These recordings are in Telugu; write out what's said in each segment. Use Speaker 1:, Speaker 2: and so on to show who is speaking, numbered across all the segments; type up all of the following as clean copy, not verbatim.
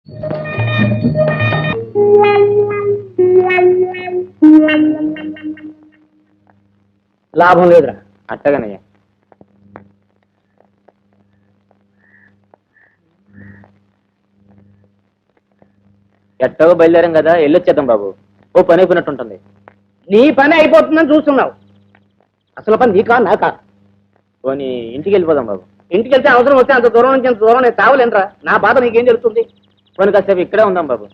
Speaker 1: లాభం లేదురా.
Speaker 2: అట్టగనయ్యా. ఎట్టగో బయలుదేరాం కదా, వెళ్ళొచ్చేద్దాం బాబు. ఓ పని అయిపోయినట్టుంటుంది.
Speaker 1: నీ పని అయిపోతుందని చూస్తున్నావు. అసలు పని నీకా నాకా?
Speaker 2: పోనీ ఇంటికి వెళ్ళిపోదాం బాబు.
Speaker 1: ఇంటికి వెళ్తే అవసరం వస్తే అంత దూరం నుంచి అంత దూరం నేను తావలేనరా. నా బాధ నీకేం తెలుస్తుంది?
Speaker 2: పోనీ కాసేపు ఇక్కడే ఉందాం బాబు.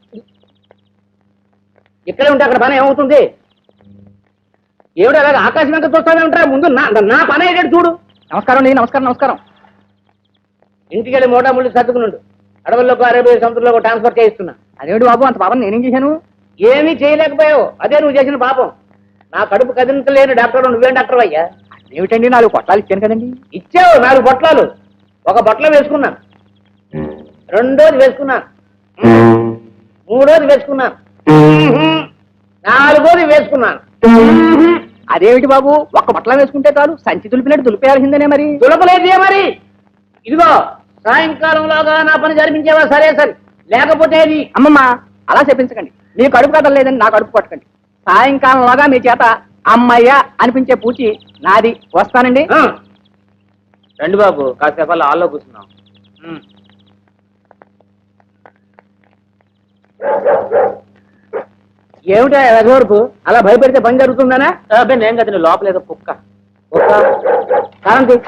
Speaker 1: ఇక్కడే ఉంటే అక్కడ పని ఏమవుతుంది? ఏమిటి అలాగే ఆకాశం వెంక చూస్తానే ఉంటారా? ముందు నా పని అయ్యేటట్టు చూడు. నమస్కారం అండి. నమస్కారం నమస్కారం. ఇంటికి వెళ్ళి మోటా ముళ్ళు సర్దుకున్నాడు. అడవుల్లోకి అరేబియా సముద్రంలో ట్రాన్స్ఫర్ చేయిస్తున్నా. అదేమిటి బాబు అంత పాపం నేనేం చేశాను? ఏమీ చేయలేకపోయావు. అదే నువ్వు చేసిన పాపం. నా కడుపు కదిలించలేని డాక్టర్ నువ్వేం డాక్టర్ అయ్యా? ఏమిటండి 4 పొట్లాలు ఇచ్చాను కదండి. ఇచ్చావు 4 పొట్లాలు. ఒక బట్టలో వేసుకున్నాను, రెండోది వేసుకున్నాను, మూడోది వేసుకున్నాను, నాలుగోది వేసుకున్నాను. అదేమిటి బాబు ఒక్క బట్టలో వేసుకుంటే చాలు, సంచి దులిపినట్టు దులిపేయాల్సిందేనే. మరి దులపలేదే మరి. ఇదిగో సాయంకాలంలోగా నా పని జరిపించేవా? సరే సరే, లేకపోతే అమ్మమ్మ అలా చెప్పించకండి. నీ కడుపు కథలు లేదని నా కడుపు పట్టకండి. సాయంకాలంలోగా మీ చేత అమ్మయ్య అనిపించే పూచి నాది. వస్తానండి.
Speaker 2: రండి బాబు, కాసేపు అలా హాల్లో కూర్చున్నాం.
Speaker 1: ఏమిటా ఎగవరపు? అలా భయపెడితే పని జరుగుతుందనా?
Speaker 2: అబ్బాయి నేను కదా, లోపల ఏదో కుక్క.
Speaker 1: కారంతి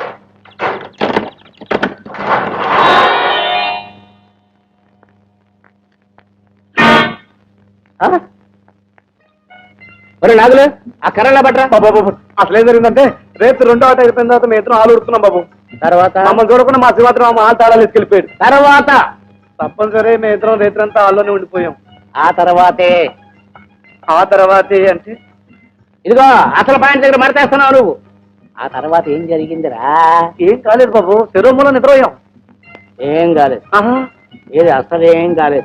Speaker 1: ఒరే నాగులు, ఆ కర్రలా పట్టరా.
Speaker 3: బాబు అసలు ఏం జరిగిందంటే, రేపు 2వ ఆట అయిపోయిన తర్వాత మేము ఇద్దరం హాలు ఉడుతున్నాం బాబు.
Speaker 1: తర్వాత
Speaker 3: మమ్మల్ని చూడకుండా మా శివాత్రం హాల్ తాళాలు ఎత్తుకెళ్ళిపోయాడు.
Speaker 1: తర్వాత
Speaker 3: తప్పనిసరి మేము ఇద్దరం రేత్రంతా హాల్లోనే ఉండిపోయాం.
Speaker 1: ఆ తర్వాతే
Speaker 3: అంటే
Speaker 1: ఇదిగో అసలు పాయింట్ దగ్గర మడతేస్తున్నావు నువ్వు. ఆ తర్వాత ఏం జరిగిందిరా?
Speaker 3: ఏం కాలేదు బాబు, శరీరంలో నిద్రపోయాం.
Speaker 1: ఏం కాలేదు. ఏది అసలు ఏం కాలేదు.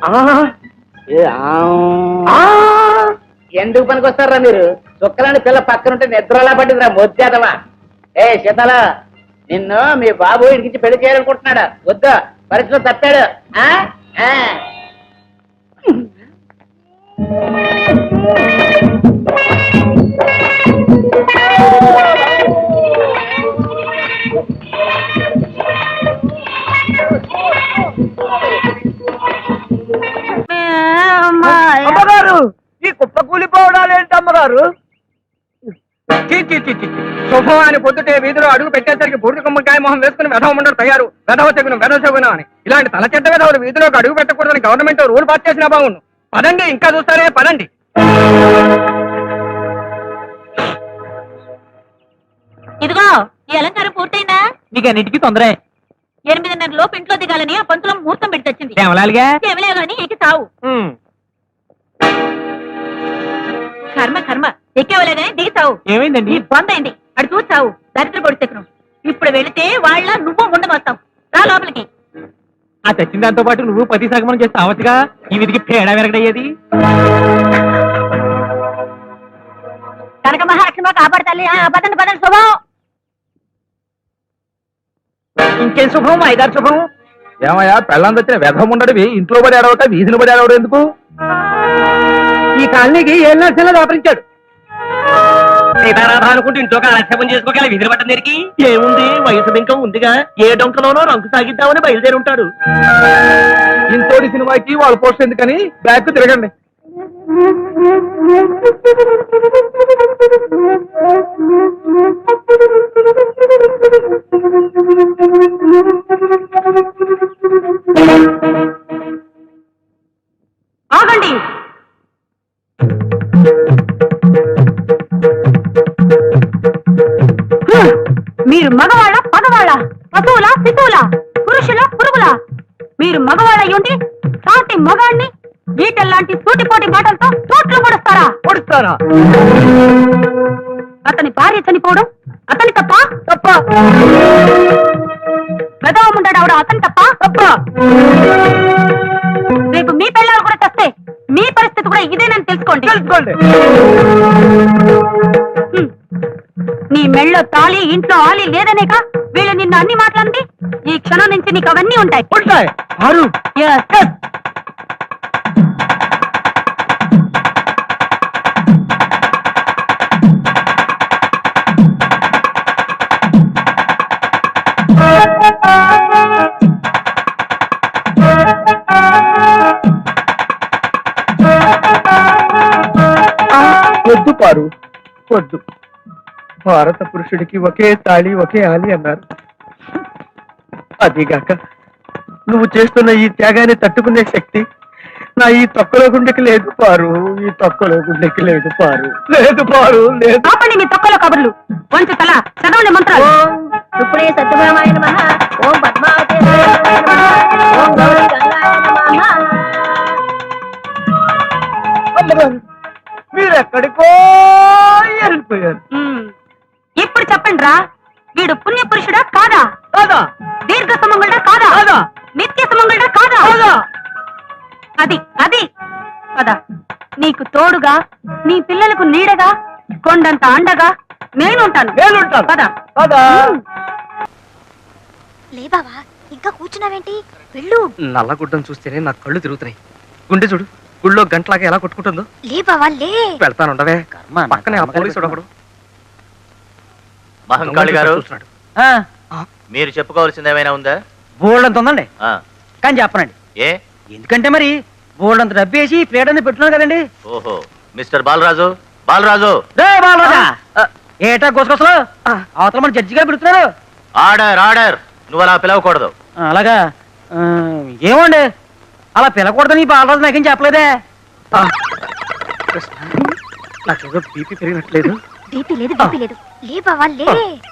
Speaker 1: ఎందుకు పనికి వస్తారా మీరు? చుక్కలాంటి పిల్ల పక్కనుంటే నిద్రలా పట్టిందిరా మొద్దేదవా. ఏ శీతల, నిన్ను మీ బాబు ఇంటికి పెళ్లి చేయాలనుకుంటున్నాడా? వద్దా, పరిస్థితిలో తప్పాడు.
Speaker 3: అమ్మగారు, ఈ కుప్ప కూలిపోవడాలు ఏంటి అమ్మగారు?
Speaker 4: శుభమాని పొద్దుటే వీధిలో అడుగు పెట్టేసరికి బూడిద గుమ్మకాయ మొహం వేసుకుని వెధవ ముండరు తయారు. వెధవ తెగును అని ఇలాంటి తల చెడ్డ వెధవులు వీధిలోకి అడుగు పెట్టకూడదని గవర్నమెంట్ రూల్ పాస్ చేసినా బాగుండు. పదండి, ఇంకా చూస్తారే, పదండి.
Speaker 5: ఇదిగో ఈ అలంకారం పూర్తయిందా?
Speaker 4: నీకు అన్నిటికీ తొందరే.
Speaker 5: 8:30 లోపు ఇంట్లో దిగాలని ఆ పంతులం ముహూర్తం పెట్టి తెచ్చింది.
Speaker 4: కేవలాలుగా
Speaker 5: గాని ఎక్కి తావు. కర్మ కర్మ, ఎక్కేవలే గాని దిగి తావు.
Speaker 4: ఏమైందండి?
Speaker 5: బందైంది, అడు చూసావు. దరిద్ర పొడిచెక్కను. ఇప్పుడు వెళితే వాళ్ళ నువ్వు ముండమొస్తావు. రా లోపలికి.
Speaker 4: ఆ తెచ్చిన దాంతో పాటు నువ్వు పతి సగమనం చేస్తే అవచ్చుగా. ఈ విధికి పేడ వెరగడయ్యేది.
Speaker 5: కనక మహాలక్ష్మి కాపాడతాలి. పదండి పదండి. శుభం.
Speaker 4: ఇంకేం శుభం? 5-6 శుభం. ఏమయ్యా, పెళ్ళం తెచ్చిన వెధం ఉండడివి ఇంట్లో పడి ఆడవట, వీధిని పడి ఆడవడం ఎందుకు? ఈ కాలనీకి 7 లక్షలు దాపరించాడు. సీతారాధ అనుకుంటూ ఇంట్లో కాలక్షేపం చేసుకోగల విధులు పట్టం దగ్గరికి ఏముంది? వయసు బింకం ఉందిగా, ఏ డొంకలోనో రంకు సాగిద్దామని బయలుదేరి ఉంటాడు. ఇంతోటి సినిమాకి వాళ్ళు పోస్ట్ ఎందుకని బ్యాక్ తిరగండి.
Speaker 5: ఆగండి. మీరు మగవాళ్ళ పగవాళ్ళ, పశువుల శిశువుల, పురుషుల పురుగుల? మీరు మగవాళ్ళ ఉండి సాటి మగాడిని ఈటల్లాంటి సూటిపోటి మాటలతో తోట్లు పొడుస్తారా? అతని భార్య చనిపోవడం అతని తప్ప? గదవం ఉంటాడు ఆవిడ, అతని తప్ప? రేపు మీ పిల్లలు కూడా తెస్తే మీ పరిస్థితి కూడా ఇదేనని తెలుసుకోండి. నీ మెళ్ళో తాళి, ఇంట్లో ఆలి లేదనేక వీళ్ళు నిన్ను అన్ని మాట్లాడింది. ఈ క్షణం నుంచి నీకు అవన్నీ ఉంటాయి.
Speaker 4: పారు వద్దు. భారత పురుషుడికి ఒకే తాళి ఒకే ఆలి అన్నారు. అదిగాక నువ్వు చేస్తున్న ఈ త్యాగాన్ని తట్టుకునే శక్తి నా ఈ తొక్కలో గుండెకి లేదు పారు. ఈ తొక్కలో గుండెకి లేదు పారు. లేదు పారు లేదు.
Speaker 5: ఆపండి మీ తొక్కలో కబుర్లు. వంచు తల చదవండి మంత్రాలు. ఇప్పుడే సత్యభామాయ నమః, ఓం పద్మావతి ఓం గౌరీ గంగాయ నమః.
Speaker 4: మీరెక్కడికో వెళ్ళిపోయారు.
Speaker 5: ఇప్పుడు చెప్పండి రా, వీడు పుణ్య పురుషుడా కాదా?
Speaker 4: కాదా?
Speaker 5: దీర్ఘ సుమంగళుడా కాదా?
Speaker 4: కాదా?
Speaker 5: నిత్య సుమంగళుడా కాదా?
Speaker 4: కాదా?
Speaker 5: అది అది కదా, నీకు తోడుగా, నీ పిల్లలకు నీడగా, కొండంత అండగా నేనుంటాను.
Speaker 4: నేనుంటాను.
Speaker 5: కదా
Speaker 4: కాదా?
Speaker 6: లే బావా, ఇంకా కూర్చున్నావేంటి? వెళ్ళు.
Speaker 4: నల్లగుడ్డం చూస్తేనే నా కళ్ళు తిరుగుతున్నాయి. గుండె చూడు, గుళ్ళో గంటలాగా ఎలా కొట్టుకుంటుందో.
Speaker 6: లే బావా లే.
Speaker 4: వెళ్తానుండవే.
Speaker 2: కర్మ, నా
Speaker 4: పక్కనే ఆ
Speaker 2: కర్మ
Speaker 4: పోలీసుడు ఒకడు
Speaker 7: మహంకాళి గారు,
Speaker 4: చూస్తున్నాడు.
Speaker 7: మీరు చెప్పుకోవాల్సింది ఏమైనా ఉందా?
Speaker 8: బోల్డంత ఉందండి,
Speaker 7: ఆ,
Speaker 8: కానీ చెప్పనండి.
Speaker 7: ఏ?
Speaker 8: ఎందుకంటే మరి బోల్డంత డబ్బు వేసి ప్లేట్ అనేది పెట్టున్నాను కదండి.
Speaker 7: ఓహో, మిస్టర్ బాలరాజు, బాలరాజు,
Speaker 8: రే బాలరాజా, ఏటా గుసగుసలు? అవతల మన జడ్జి గారు పిలుస్తున్నారు.
Speaker 7: Order order. నువ్వు అలా పిలవకూడదు.
Speaker 8: అలాగా? ఏమండి అలా పిలకూడదని బాలరాజు నాకేం చెప్పలేదే.
Speaker 4: నాకేదో బీపీ పెరిగినట్లేదు.
Speaker 6: బీపీ లేదు, బీపీ లేదు. లే బావా లే.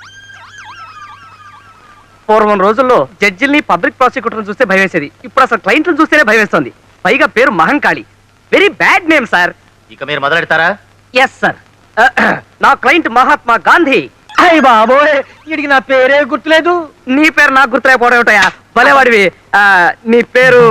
Speaker 4: పూర్వం రోజుల్లో జడ్జిల్ని పబ్లిక్ ప్రాసిక్యూటర్ని చూస్తే భయవేసేది. ఇప్పుడు అసలు క్లయింట్లను చూస్తేనే భయవేస్తోంది. పైగా పేరు Mahankali. Very bad name sir.
Speaker 7: ఇక మీరు మొదలెడతారా?
Speaker 4: Yes sir. నా క్లయింట్ మహాత్మా గాంధీ.
Speaker 8: అయ్య బాబోయ్, వీడికి నా పేరే గుర్తులేదు.
Speaker 4: నీ పేరు నాకు గుర్తులేకపోవడం ఏమిటయా? భలేవాడివి. నీ పేరు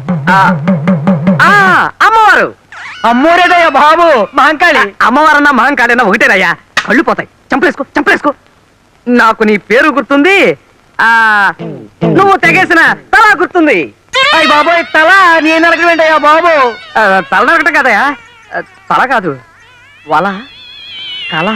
Speaker 4: అమ్మవారు.
Speaker 8: అమ్మోరేదయ్యా బాబు, మహంకాళి.
Speaker 4: అమ్మవారన్నా మహంకాళి అన్నా ఒకటేనయ్యా. కళ్ళు పోతాయి. చంపలేసుకో చంపలేసుకో. నాకు నీ పేరు గుర్తుంది, నువ్వు తెగేసిన తల గుర్తుంది.
Speaker 8: అయ్య బాబోయ్, తల నేను నరకమేంటయ్యా బాబు?
Speaker 4: తల నరకటం కదయా, తల కాదు, వల, కల,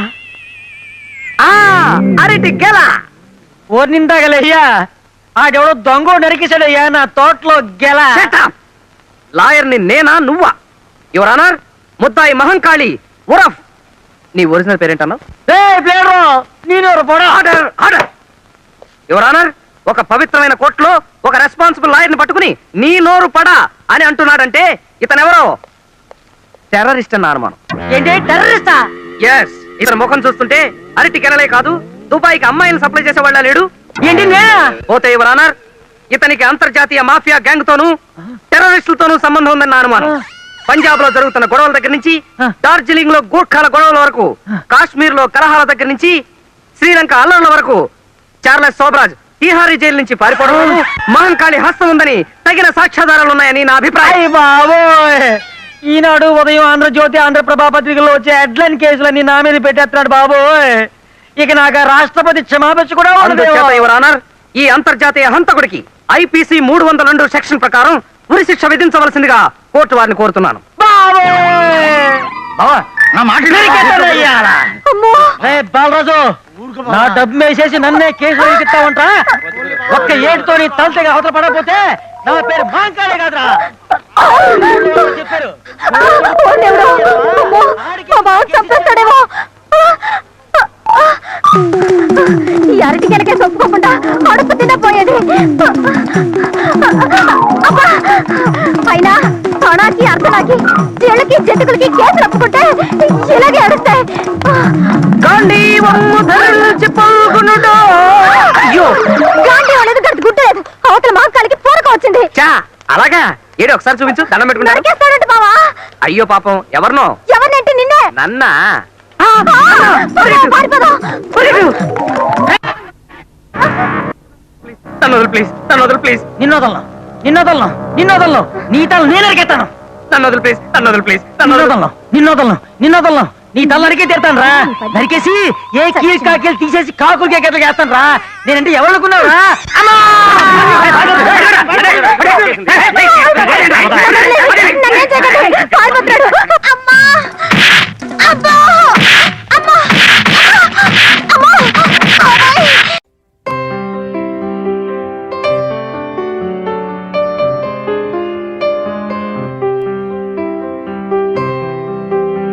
Speaker 4: అరటి గెల.
Speaker 8: ఓ నిందాగలయ్యా, ఆడెవడో దొంగ నరికేశాడయ్యా నా తోటలో గెల.
Speaker 4: లాయర్ని నేనా నువ్వా? యువర్ ఆనర్, ముద్దాయి మహంకాళి ఉరఫ్. నీ ఒరిజినల్ పేరేంటన్నావు? Order order. యువర్ ఆనర్, ఒక పవిత్రమైన కోర్టులో ఒక రెస్పాన్సిబుల్ లాయర్ని పట్టుకుని నీ నోరు పడా అని అంటున్నాడంటే ఇతనెవరో టెర్రరిస్ట్ అన్న అనుమానం.
Speaker 8: ఏంటి టెర్రరిస్టా?
Speaker 4: ఎస్. ఇతని ముఖం చూస్తుంటే అరటి కెనలే కాదు, దుబాయ్కి అమ్మాయిలు సప్లై చేసేవాళ్ళ లేడు.
Speaker 8: ఏంటి
Speaker 4: పోతే యువర్ ఆనర్, ఇతనికి అంతర్జాతీయ మాఫియా గ్యాంగ్ తోనూ టెర్రరిస్టులతోనూ సంబంధం ఉందన్న అనుమానం. పంజాబ్ లో జరుగుతున్న గొడవల దగ్గర నుంచి, డార్జిలింగ్ లో గూర్ఖాల గొడవల వరకు, కాశ్మీర్ లో కలహాల దగ్గర నుంచి, శ్రీలంక అల్లర్ల వరకు, చార్లెస్ సోబ్రాజ్ తీహారీ జైలు నుంచి పారిపోవడం మహంకాళి హస్తం ఉందని తగిన సాక్ష్యాధారాలు ఉన్నాయని నా అభిప్రాయం.
Speaker 8: బాబోయ్, ఈనాడు ఉదయం ఆంధ్రజ్యోతి, ఆంధ్రప్రభ పత్రికల్లో వచ్చే హెడ్లైన్ కేసులన్నీ నా మీద పెట్టేస్తున్నాడు బాబోయ్. ఇక నాకు రాష్ట్రపతి క్షమాపణ కూడా ఉండదు.
Speaker 4: యువర్ ఆనర్, ఈ అంతర్జాతీయ హంతకుడికి ఐపీసీ 302 సెక్షన్ ప్రకారం ఉరి శిక్ష విధించవలసిందిగా కోర్టు వారిని కోరుతున్నాను.
Speaker 8: బాలరాజు, నా డబ్బు వేసేసి నన్నే కేసులో ఎక్కిస్తావంట. ఒక్క ఏడుతో నీ తలతగా అవతల పడకపోతే నా పేరు మహంకాళి కాదురా చెప్పారు.
Speaker 6: చంపేస్తాడేమో. ఈ అరటి గెలకే చొప్పుకోకుండా అడుపు తినపోయేది. అయినా తొణాకి అర్థనాకి చెళ్ళకి జంతుకులకి కేసులు ఒప్పుకుంటే ఇలాగే అడుస్తాయి. గాంధీ అనేది గంట గుట్టలేదు. అవతల మహంకాళికి పూరక వచ్చింది.
Speaker 4: అలాగా? ఏడు ఒకసారి చూపించు, దండం పెట్టుకుంటా.
Speaker 6: నరికేస్తాడంట బావా.
Speaker 4: అయ్యో పాపం, ఎవరినో?
Speaker 6: ఎవరినంటే నిన్నే.
Speaker 4: నన్నా? తను ప్లీజ్.
Speaker 8: నిన్నోదలను నీ తల నేను అరికెత్తాను. నిన్నోదలను నీ తల నరికే తీరుతాను రా. నరికేసి ఏ కీల్ కాకీలు తీసేసి కాకులకి ఎక్కడికి వేస్తాను రా. నేనంటే ఎవరు అనుకున్నావు రా?